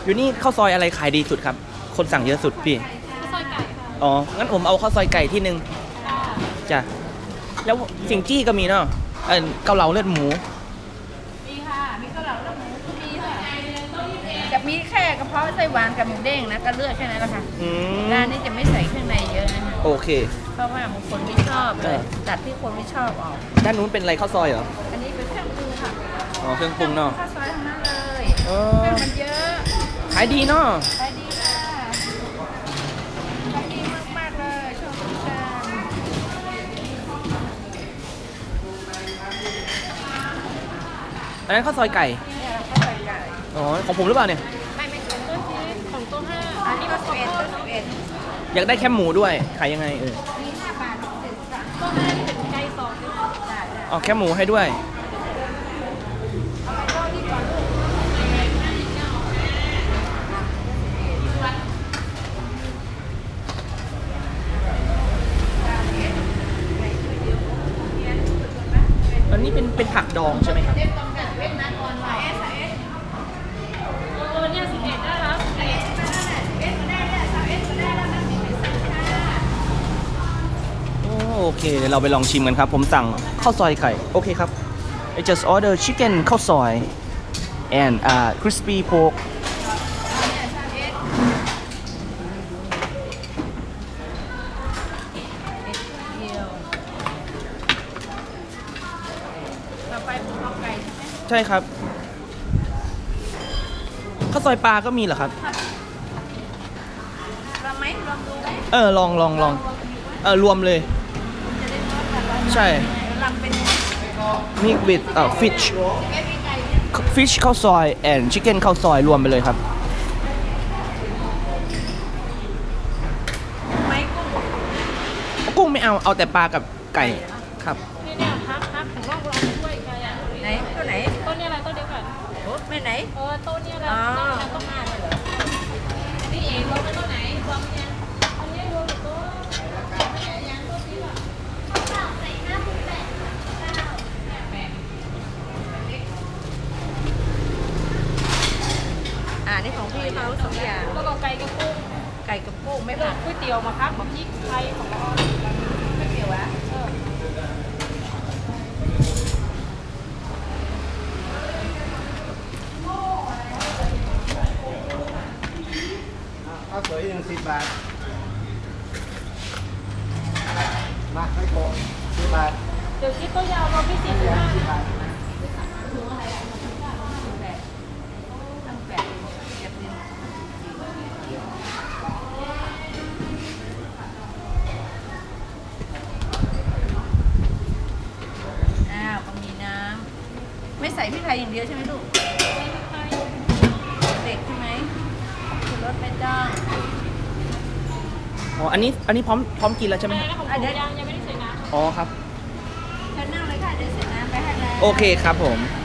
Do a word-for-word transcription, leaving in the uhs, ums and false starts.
อยู่นี่ข้าวซอยอะไรขายดีสุดครับคนสั่งเยอะสุดพี่ข้าวซอยไก่ค่ะอ๋องั้นผมเอาข้าวซอยไก่ที่หนึ่งจ้ะแล้วสิงจี้ก็มีเนาะเออเกาเหลาเลือดหมูมีค่ะมีเกาเหลาแล้วหมูก็มีค่ะจะมีแค่กระเพาะไส้หวานกับหมูเด้งนะก็เลือกแค่นั้นแหละค่ะร้านนี้จะไม่ใส่เครื่องในเยอะนะคะโอเคเพราะว่าบางคนไม่ชอบเลยตัดที่คนไม่ชอบออกด้านนู้นเป็นอะไรข้าวซอยเหรออันนี้เป็นเครื่องปรุงค่ะอ๋อเครื่องปรุงเนาะข้าวซอยทั้งนั้นเลยเครื่องมันเยอะขายดีเนาะขายดีค่ะขายดีมากๆเลยชอบกินกันอันนั้นข้าวซอยไก่เนี่ยข้าวซอยไก่อ๋อของผมหรือเปล่าเนี่ยไม่ไม่ของต้นชีสของตัวห้าอันนี้ก็สิบเอ็ดต้นสิบเอ็ดอยากได้แคบหมูด้วยขายยังไงเออมีห้าบาทสิบสามตัวห้าที่เป็นไก่สองด้วยได้ได้อ๋อแคบหมูให้ด้วยเอาไปทอดที่ก่อนลูกอันนี้เป็นเป็นผักดองใช่ไหมครับตัวเนี่ยสิบเอ็ดได้แล้วสิบเอ็ดโอเคเดี๋ยวเราไปลองชิมกันครับผมสั่งข้าวซอยไก่โอเคครับ I just order chicken ข้าวซอย and uh crispy pork ต่อไปผมเอาไก่ใช่ไหมใช่ครับข้าวซอยปลาก็มีเหรอครับลองไหมลองดูไหมเออลองลองลองเออรวมเลยใช่ลองเป็น mix with เอ่อ fish fish ข้าวซอย and chicken ข้าวซอยรวมไปเลยครับไม่กุ้งกุ้งไม่เอาเอาแต่ปลากับไก่ครับนี่เนี่ยพักพักของร่องเราด้วยไก่อะไหนตัวไหนต้นเนี่ยอะไรต้นเดียวกันโอ้ไม่ไหนเออต้นเนี่ยอะไรต้นเนี่ยต้นห้าเลยเหรออันนี้เองรวมเป็นต้นไหนรวมยังอันนี้รวมเป็นต้นยังต้นนี้หรอใส่ห้าสิบแปดแปดอ่านี่ของพี่เขาสองอย่างแล้วก็ไก่กับกุ้งไก่กับกุ้งไม่ไม่ผัผักกก๋วยเตี๋ยวมาพักแบบพริกไทยของเราไม่เกี่ยววะข้าวสวยหนึ่งสิบบาทมาไม่โกงสิบบาทเดี๋ยวคิดตัวยาวเราพี่สิบห้านะอ้าวก็มีน้ำไม่ใส่พริกไทยอย่างเดียวใช่ไหมลูกเด็กใช่ไหมชูรสไม่ต้องอ๋ออันนี้อันนี้พร้อมพร้อมกินแล้วใช่ไหมไม่นะของผมยังยังไม่ได้ใส่น้ำอ๋อครับเชิญนั่งเลยค่ะเดี๋ยวเสร็จน้ำไปให้แล้วโอเคครับผม